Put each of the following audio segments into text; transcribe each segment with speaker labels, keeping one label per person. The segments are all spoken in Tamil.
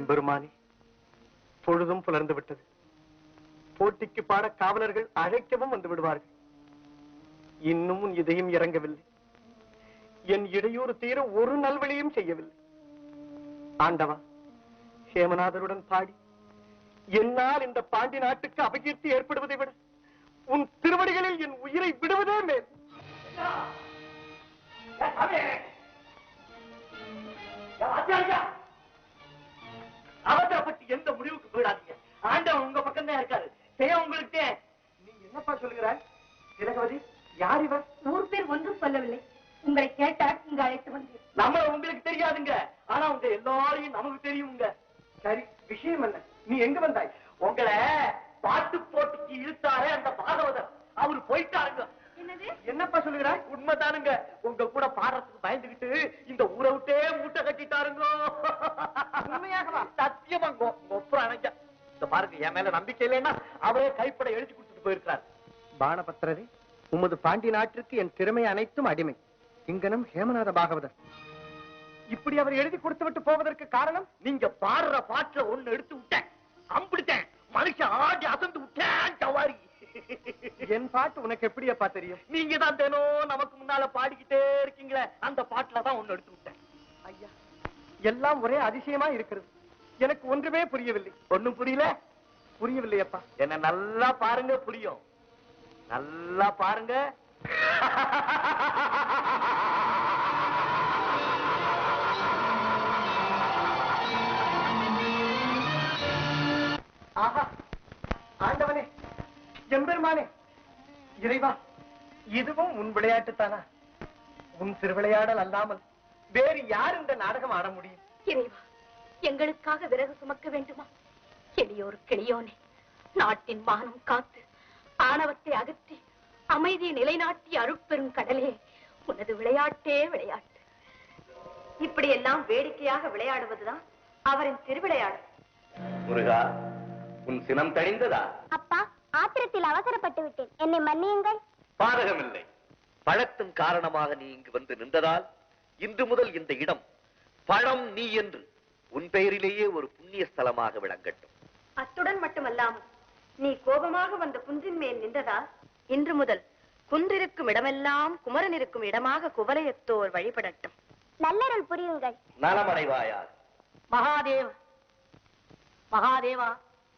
Speaker 1: எம்பெருமானே, பொழுதும் புலர்ந்து விட்டது. போட்டிக்கு பாட காவலர்கள் அழைக்கவும் வந்து விடுவார்கள். இன்னும் உன் இதயம் இறங்கவில்லை. என் இடையூறு தீர ஒரு நல்வழியும் செய்யவில்லை. ஆண்டவா, ஹேமநாதருடன் பாடி என்னால் இந்த பாண்டி நாட்டுக்கு அபகீர்த்தி ஏற்படுவதை விட உன் திருவடிகளில் என் உயிரை விடுவதே மேல்.
Speaker 2: அவசரப்பட்டு எந்த முடிவுக்கு போயிடாதீங்க. ஆண்டவன் உங்க பக்கம் தான் இருக்காரு. செய்ய உங்களுக்கு
Speaker 1: நீ என்னப்பா சொல்லுகிறாய்? திலகவதி, யார் இவர்?
Speaker 3: ஊர் பேர் ஒன்றும் சொல்லவில்லை. உங்களை கேட்டால் இங்கு அழைத்து வந்தேன்.
Speaker 2: நம்மள உங்களுக்கு தெரியாதுங்க, ஆனா உங்க எல்லாரையும் நமக்கு தெரியுங்க.
Speaker 1: சரி, விஷயம் என்ன? நீ எங்க வந்தாய்?
Speaker 2: உங்களை பாட்டு போட்டிக்கு இழுத்தாரே அந்த பாகவதர், அவரு போயிட்டாருங்க.
Speaker 3: என்னது?
Speaker 1: என்னப்பா சொல்லுகிறாய்?
Speaker 2: உண்மைதானுங்க. உங்க கூட பாடுறதுக்கு பயந்துகிட்டு இந்த ஊரை விட்டே மூட்டை கட்டிட்டாருங்க.
Speaker 1: உண்மையாகவா?
Speaker 2: சத்தியமாங்க. ஒப்புறம் அணைஞ்ச இந்த பாருங்க, என் மேல நம்பிக்கை இல்லைன்னா அவரே கைப்பட எழுதி கொடுத்துட்டு போயிருக்காரு.
Speaker 1: பாணபத்திரரே, உமது பாண்டி நாட்டிற்கு என் திறமை அனைத்தும் அடிமை. இங்கனம் ஹேமநாத பாகவதர். இப்படி அவர் எழுதி கொடுத்து விட்டு போவதற்கு காரணம்?
Speaker 2: நீங்க பாடுற பாட்டுல ஒண்ணு எடுத்து விட்டேன், அம்பிடுத்தேன், மனுஷன் ஆடி அசந்து விட்டேன். சவாரி,
Speaker 1: என் பாட்டு உனக்கு எப்படியப்பா தெரியும்?
Speaker 2: நீங்க தான் தினம் நமக்கு முன்னால பாடிக்கிட்டே இருக்கீங்களே, அந்த பாட்டுல தான் ஒண்ணு எடுத்து விட்டேன்.
Speaker 1: ஐயா, எல்லாம் ஒரே அதிசயமா இருக்கிறது. எனக்கு ஒன்றுமே புரியவில்லை.
Speaker 2: ஒண்ணும் புரியல?
Speaker 1: புரியவில்லையப்பா.
Speaker 2: என்ன நல்லா பாருங்க, புரியும். நல்லா பாருங்க.
Speaker 1: ஆஹா, ஆண்டவனே, எம்பெருமானே, இறைவா, இதுவும் உன் விளையாட்டுத்தானா? உன் திருவிளையாடல் அல்லாமல் வேறு யார் இந்த நாடகம் ஆட முடியும்?
Speaker 3: இறைவா, எங்களுக்காக விறகு சுமக்க வேண்டுமா? எளியோர் கிளியோனே, நாட்டின் மானம் காத்து ஆணவத்தை அகற்றி அமைதியை நிலைநாட்டி அருட்பெரும் கடலே, உனது விளையாட்டே விளையாட்டு. இப்படி எல்லாம் வேடிக்கையாக விளையாடுவதுதான் அவரின் திருவிளையாடல்.
Speaker 2: முருகா, உன் சினம் தணிந்ததா?
Speaker 4: அப்பா, ஆத்திரத்தில் அவசரப்பட்டு விட்டேன், என்னை மன்னியுங்கள்.
Speaker 2: பாதகமில்லை. பழத்தின் காரணமாக நீ இங்கு வந்து நின்றதால் இன்று முதல் இந்த இடம் பழம் நீ என்று உன் பெயரிலேயே ஒரு புண்ணிய ஸ்தலமாக விளங்கட்டும்.
Speaker 3: அத்துடன் மட்டுமல்லாமல் நீ கோபமாக வந்த குன்றின் மேல் நின்றதால் இன்று முதல் குன்றிருக்கும் இடமெல்லாம் குமரன் இருக்கும் இடமாக குவலயத்தோர் வழிபடட்டும்.
Speaker 4: நல்லருள் புரியுங்கள்.
Speaker 2: நலமடைவாயா?
Speaker 3: மகாதேவ், மகாதேவா,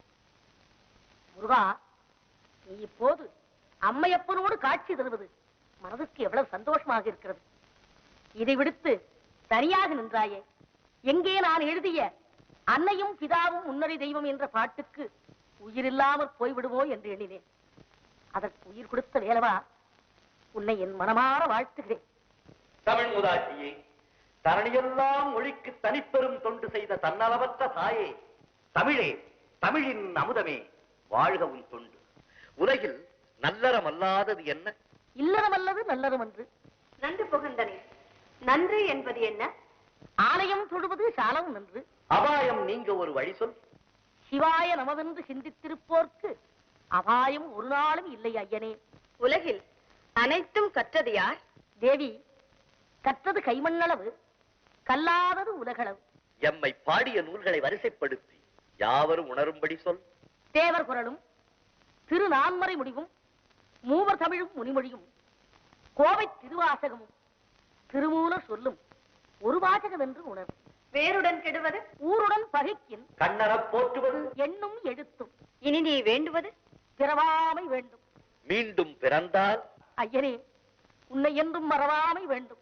Speaker 3: முருகா, நீ இப்போது அம்மையப்பனோடு காட்சி தருவது மனதுக்கு எவ்வளவு சந்தோஷமாக இருக்கிறது. இதை விடுத்து தனியாக நின்றாயே, எங்கே நான் எழுதிய அன்னையும் பிதாவும் முன்னறி தெய்வம் என்ற பாட்டுக்கு உயிரில்லாமல் போய்விடுவோ என்று எண்ணினேன். அதற்கு உயிர் கொடுத்த வேலவா, உன்னை என் மனமாற வாழ்த்துகிறேன்.
Speaker 2: தமிழ் முதாட்சியே, தரணியெல்லாம் மொழிக்கு தனிப்பெரும் தொண்டு செய்த தன்னலவற்ற தாயே, தமிழே, தமிழின் அமுதமே, வாழ்க உன் தொண்டு. உலகில் நல்லறம் அல்லாதது என்ன?
Speaker 3: இல்லறம் அல்லது நல்லறம் என்று. நன்று புகந்தனே, நன்று என்பது என்ன? ஆலயம் தொழுவது சாலம் நன்று.
Speaker 2: அபாயம் நீங்க ஒரு வழி சொல்.
Speaker 3: சிவாய நமவென்று சிந்தித்திருப்போர்க்கு அபாயம் ஒரு நாளும் இல்லை ஐயனே. உலகில் அனைத்தும் கற்றது யார்? தேவி, கற்றது கைமண்ணளவு, கல்லாதது உலகளவு.
Speaker 2: எம்மை பாடிய நூல்களை வரிசைப்படுத்தி யாவரும் உணரும்படி சொல்.
Speaker 3: தேவர் குரலும் திருநான்மறை முடிவும் மூவர் தமிழும் முனிமொழியும் கோவை திருவாசகமும் திருமூலர் சொல்லும் ஒரு வாசகம் என்று உணர். வேருடன் கெடுவது ஊருடன் பகைக்கின்
Speaker 2: கண்ணறப் போற்றுவது
Speaker 3: எண்ணும் எழுத்தும். இனி நீ வேண்டுவது பிறவாமை வேண்டும்.
Speaker 2: மீண்டும் பிறந்தால்
Speaker 3: ஐயனே, உன்னை என்றும் மறவாமை வேண்டும்.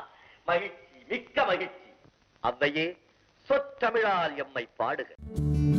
Speaker 2: மகிழ்ச்சி, மிக்க மகிழ்ச்சி. அவ்வையே, சொற்றமிழால் எம்மை பாடுக.